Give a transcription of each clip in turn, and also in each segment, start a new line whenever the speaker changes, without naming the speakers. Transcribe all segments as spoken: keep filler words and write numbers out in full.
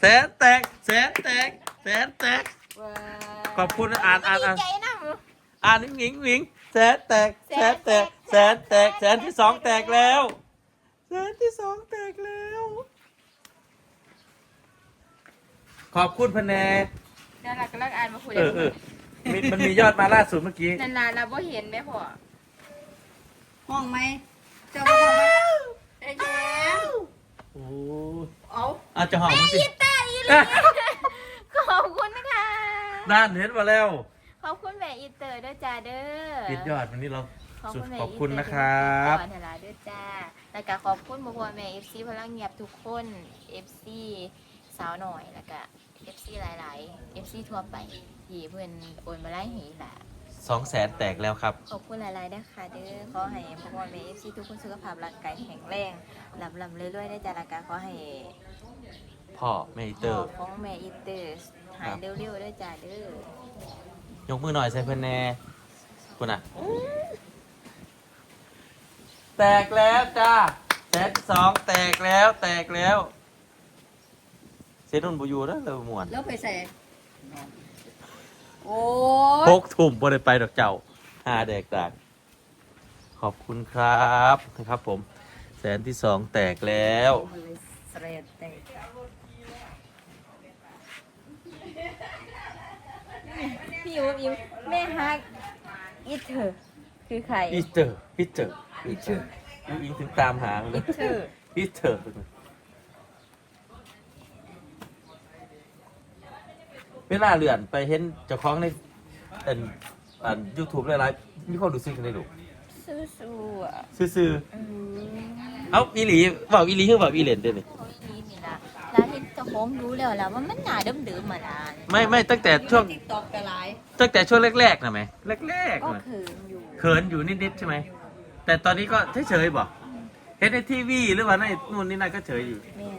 สนแตกแสนแตกแสนแตกขอบคุณอ่านอ่านอ่านอ่านหญิงหญิงแสนแตกแสนแตกแสนแตกแสนที่สองแตกแล้วแสนที่สองแตกแล้วขอบคุณพแนก
น่ารักก็รักอ่านมาคุย
เออเออมันมันมียอดมาล่าสุดเมื่อกี้
นานๆเราบ่เห็นไหมพ่อ
ห้องไหมเจ้าห้องไหมไอ้แย้ม
โอ้
เอา
อาจจะหอมมันสิ
ขอบคุณค่ะ
ด้านเห็นมาแล้ว
ขอบคุณแม่อีเตอร์ด้วยจ้าเด้อ
ปิดยอดวันนี้เรา
ขอบ
สุด
คุณแม่
ขอบ
อี
คุณ
เตอร์
นะครับ
ที่มาติดต่อเวลาด้วยจ้าแล้วก็ขอบคุณพ่อแม่เอฟซีพลังเงียบทุกคนเอฟซีสาวหน่อยแล้วก็เอฟซีหลายๆเอฟซีทั่วไปที่เพื่อนโอนมาไล่หีแหละ
สองแสนแตกแล้วครับ
ขอบคุณหลายๆนะคะเด้อขอให้พ่อแม่เอฟซีทุกคนสุขภาพร่างกายแข็งแรงลำลำเรื่อยๆได้จ้าแล้วก็ขอให้
พ่อเมเตอร์
ของแม่อีเตอร์หายเร็วๆด้วยจ้าเด้อย
กมือหน่อยใส่เพื่อนแน่คุณอ่ะ แตกแล้วจ้าแสนสองแตกแล้วแตกแล้วเซนุ่นบูยูแล้วเลยหมวน
แล้วไปใส่โอ้
พกถุ่มบริไปดอกเจ้าหาแดกต่างขอบคุณครับนะครับผม แสนที่สองแตกแล้ว
มันเลยเสรดแต่
พี่อิวอิวแม่ฮักอีเธอคือใคร
อีเตอร์พีเตอร์พีเตอร์ยิงถึงตามหาเลย
เธอ
พีเตอร์เวลาเลื่อนไปเห็นเจ้าของในอันอันยูทูบหลายๆมีคนดูซิกันได้ดู
สู้ๆอ่ะ
ซื่อ
อืม
ๆเอาอีหลีเปล่าอีหลีคือเปล่าอีเหรนเด้นี่
เขาอีนี้นี่ละร้านที่เจ้าของรู้แล้วล่ะว่ามันหนาเดิมๆมานะ
ไม่ไม่ตั้งแต่ช่วง
ติ๊กตอกกระไร
ตั้งแต่ช่วงแรกๆนะไหมแรกๆ
ก็
น่ะ
เขินอยู่
เขินอยู่นิดๆใช่ไหมแต่ตอนนี้ก็เฉยๆบอกเห็นในทีวีหรือว่าในนู่นนี่นั่นก็เฉยอยู่
แม่น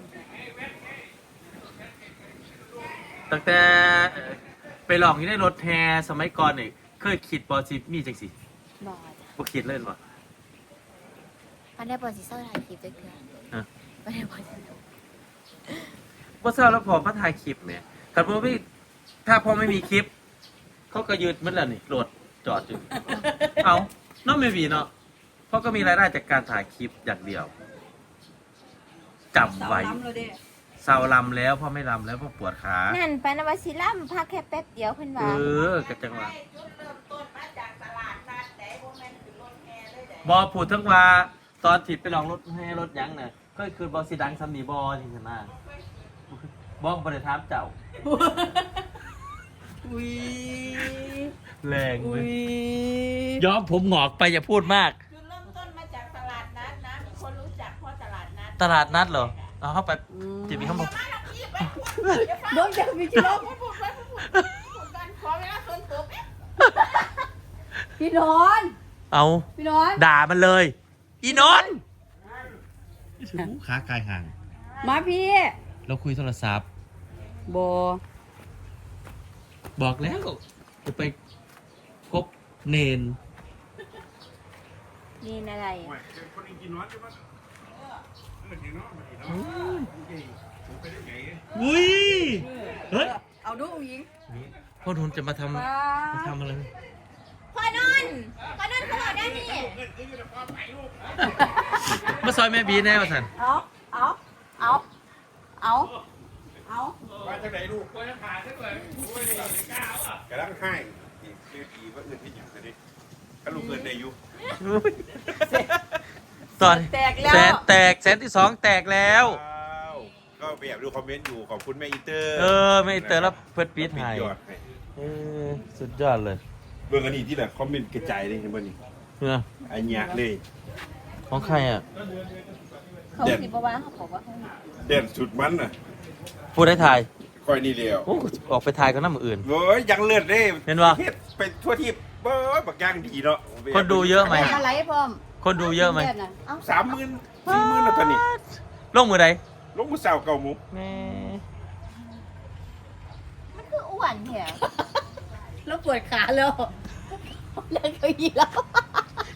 ตั้งแต่เอ่อไปลองอยู่ในรถแฮสมัยก่อนเนี่ยเคยคิดบอสิมีจังสิ
บอกจ้ะ
บ่คิดเล่นบ่
มันได้บอสิเศร้าถ่ายคลิปด้วยเกิน
ฮะ
มันได้บอสิเศร้า
บ่เศร้าแล้วพอมาถ่ายคลิปเนี่ยถ้าพอไม่ถ้าพอไม่มีคลิป เขาก็ยืดมันแล้วนี่รถจอดอยู่ เอาน้องไม่มีเนาะเพราะก็มีรายได้จากการถ่ายคลิปอย่างเดียวจำไว้
ล้ำเลยเด้
เศร้าลำแล้วพ่อไม่ลำแล้วพ่อปวดขา
นั่นปานวสิลัมพักแค่แป๊บเดียวเพิ่น
เอ
ว่า
อกระจังหวะบอพูดทั้งว่าตอนถิดไปลองรถให้รถยังน่ะก็คือบอสิดังซัมนีบอจริงๆนะบอกบริถามเจ้า
อุ้ย
แรงเล
อุ้
ย
ย
ย้อมผมหงอกไปอย่าพูดมาก
จุดเริ่มต้นมาจากตลาดนัดนะมีคนรู้จักเพราะตลาดนัด
ตลาดนัดเหรอเอาเข้าไปจะมีข้างบน
โดนจับมีกิโล
ไม่พูดไม่พูดพูดกันขอเวลาส่วนตัวแป๊บ
พี่นอน
เอา
พี่นอน
ด่ามันเลย อีนนท์ขากายห่าง
มาพี่
เราคุยโทรศัพท์
โบ
บอกแล้วจะไปพบเนน
นี่อะไร
อุ้ยเฮ้ย
เอาดูอุ้งยิง
พ่อทุนจะมาทำมาทำอะไร
พ่อนอนพ่อนอนเขาบอกได้นี่
มาซอยแม่บีแน่มาสัน
เอาเอาเอาเอาเอา
มาจากไหนลูกก็จะผ่านได้เลยโอ้ยก้าวอ่ะกำลังให้คือดีว่าเงินที่อย่างนี้ก็ลูกเงินในยุ
ตอน
แตกแล้ว
แสนแตกแสนที่สองแตกแล้ว
ก็ไปแอบดูคอมเมนต์อยู่ขอบคุณแม่อีเตอร์
เออไม่เตอแล้วเพิดปีดให้
ยอดให้
เออสุดยอดเลย
เบื้องอันนี้ที่แบบคอมเมนต์กระจายเลยเห็นป่ะนี่
เออ
อันยากเลย
ของใครอ่ะ
เขาสิบอกว่าเขาบอกว่าเขา
เด่นสุดมันน่ะ
พูดได้ถ่าย
คอยนี่เดียว
โอ้ออกไปถ่ายกันน้ำอื่น
โอ้ยยังเลือดเลย
เห็นปะ
ฮ็ดไปทั่วที่เบ้อบักย่างดีเนาะ
คนดูเยอะไหม
อะไรพร้อม
คนดูเยอะไหม
สามหมื่นสี่หมื่นแล้วตอนนี้
ลงมือใด
ลงมือสาวเก่าหมุก
แม่
มันคืออ้วนแถว
แล้วปวดขาแล้วเล่นเก้าอี้แล้ว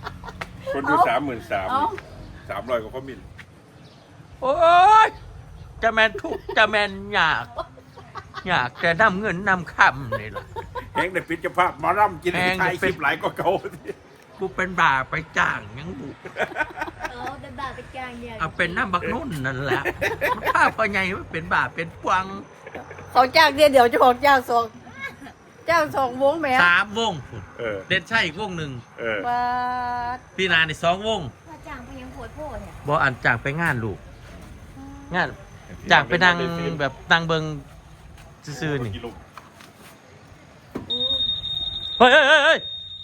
คนดู
เอา
สามหมื่นสาม
เอา
สามร้อยกว่าคอมเมนต์
โอ้ยจะแมนทุกข์จะแมนอยาก อยากจะนำเงินนำคำนี่ล่ะ
แห้งแต่พิจภาพหมอรำกิน
แห้ง
ไท
แต่
ย
เป็
คน ลิปหลายก็เก่า
กูเป็นบ่าไปจ้างยังบุ
เออเป็นบาเป็นกลางเดียว
เอาเป็นน้ำบักนุ่นนั่นแหละถ้าพอไงว่าเป็นบ่าเป็นปวง
เขาจ้างเดียวเดี๋ยวจะบอกจ้างสองจ้างสองวงแหม่
สามวงพุ่น
เออ
เด่นใช่อีกวงหนึ่ง
เออ
ว่า
พี่นาในสองวง
ว่าจ้างไปยังโพดโพดเนี่ย
บออันจ้างไปงานลูกงานจ้างไปนั่งแบบนั่งเบิงซื่อๆนี่เฮ้ยเฮ้ยเฮ้ยเฮ้ย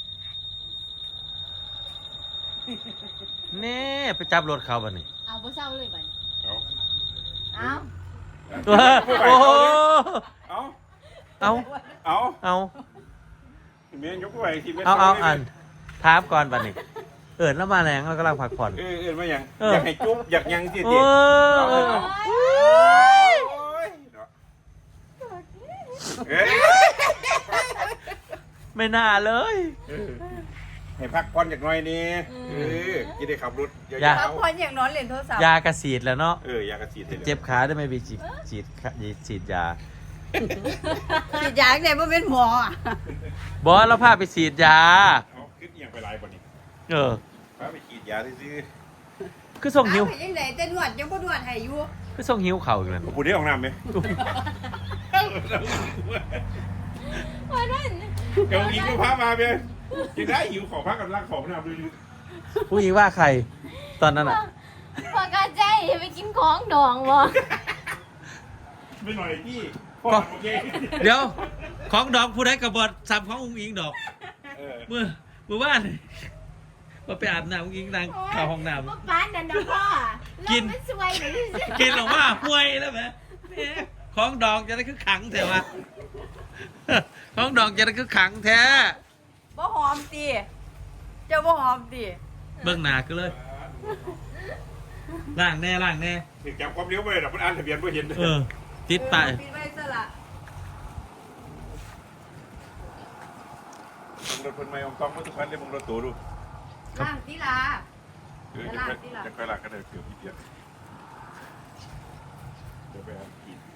นี่ไปจับรถเขาบ่นี่
เอาบ่เศร้าเลยบัด
เอา
เอา
โอ้โห
เอา
เอา
เอา
เอา
เมียยกไปที
เอาเอาอันถามก่อนบัดนี้เอิญแล้วมาแรงแล้วก็ลังพักผ่อน
เออเออมาอย่าง
เออ
อยากให้จุ๊บอยากยังที่
โอ้
เด็ก
ย
เอ้ย
ไม่น่าเลย
เออให้พักผ่อนจากหน่อยนี่เออจะได้ขับรถยา
อย่า
พัก
ว
ผ่อนอย่างนอนเล่นโทรศัพท์
ยากระสีดแล้วเนาะ
ๆเออยากระสีดให้ลย
เจ็บขาได้ไหมไปฉีดฉีดฉีดยา
ฉีดยาไหนบ่เป็นหมออ่ะ
บอสเราพาไปฉีดยา
เอาขึ้นเอียงไปลายบนนี้
เออ
พาไปฉีดยาซื้อ
คือส่งหิว
เอาไปยังไงแต่นวดยังบ่นวดให้อยู่
คือส่งหิวเข่าอยู่นั่น
ๆกูได้ออกน้ำไหม
ว่านั่น
เดี๋ยวอีกก็พามาเบียยังได้หิวของพักกับรักของน้ำดูดู
ผู้หญิงว่าใคร ตอนนั้นอ่ะ
พอกาใจไปกินของดองบ่
ไม่หน่อยพี่พ่อโอเค
เดี๋ยว ของดอกผู้ใดกระบอดสับของอุ้งอิงดอก
เออ
เมื่อเมื่อวานมาไปอาบน้ำอุ้งอิงนางเข้าห้องน้
บ่ปานนั่นดอกพ่อ
กิน
เรามันสวยเลย
ำกินออกมาห่วยแล้วไหมแหมของดอกจะได้คือขังแท้วะของดอกจะได้คือขังแท้
บ่หอมติเจ้าบ่หอมติ
เบื้องหน้าก็เลยล่างแน่ล่างแน่
ถึงจับความเลี้ยวไปหรอกมันอ่านทะเบียนไม่เห็น
เออ ติดไป
เออปิดไว้ซะละ
รถคนไม่องต้องมาทุกคันเลยมึงรถตัวดู
ล่างติลา
เออจะไปจะไปหลักก็ได้เกือบที่เดียวเดี๋ยวไปอาบกิน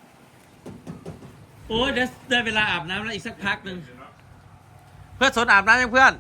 โอ้ยเดี๋ยวได้เวลาอาบน้ำแล้วอีกสักพักหนึ่งเพื่อนสนอาบน้ำยังเพื่อน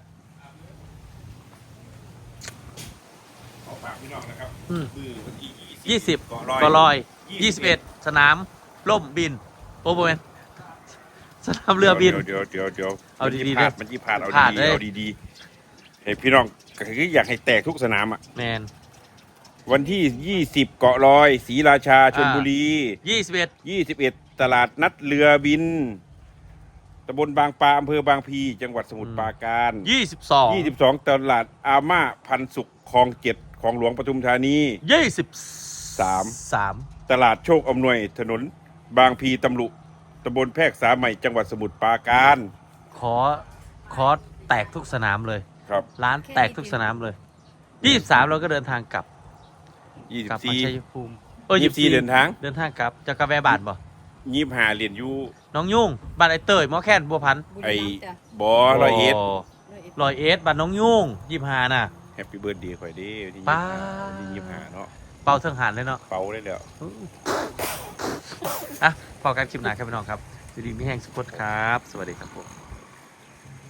ขอฝากพี่น้องนะครับ
อืม
คือวันที่
ยี่สิบ
เกาะลอย
ก็ลอยยี่สิบเอ็ดสนามล่มบินโอ้โหเนสนามเรือบิน
เดี๋ยวเดี๋ยวเดี๋ยว
เอาดีๆ
ๆ
นะ
มันยี่ผ่านเอา
ผ่าน
ดี
เลย
ๆเอาดีๆให้พี่น้องก็คืออยากให้แตกทุกสนามอ่ะ
แมน
วันที่ยี่สิบเกาะลอยศรีราชาชลบุรี
ยี่สิบเอ็ด
ยี่สิบเอ็ดตลาดนัดเรือบินตำบลบางปลาอำเภอบางพลีจังหวัดสมุทรปราการ
ยี่สิบสอง
ยี่สิบสองตลาดอาม่าพันสุขคลองเจ็ดของหลวงปทุมธานี
ยี่สิบ
สาม
สาม
ตลาดโชคอำนวยถนนบางพลีตำลุตำบลแพรกษาใหม่จังหวัดสมุทรปราการ
ขอขอแตกทุกสนามเลย
ครับ
ร้านแตกทุกสนามเลยยี่สิบสามเราก็เดินทางกลับ
ยี่สิ
กลั
บบ
มา
สี่
ชัยภูมิเออ
ยี่สิบสี่เดินทาง
เดินทางกลับจะกาแฟบาทบ่
ยี่สิบห้าเหรียญยู
น้องยุ่งบ้านไอเตยหมอแค้นบัวพันธุ์
ไอ้บอร้อยเอ็ด
ลอยเอสบ้านน้องยุ่งยี่ห้าน่ะ
แฮปปี้เบิร์ดเดย์ข่อยเด้วันที่
ป้า
ยี่สิบห้าเนาะ
เป่าเทิงหันเลยเนาะ
เป่าได้แล้ว
อ่ะพอการคลิปหนาครับพี่น้องครับสวัสดีพี่แห้งสุพจน์ครับ สวัสดีครับผม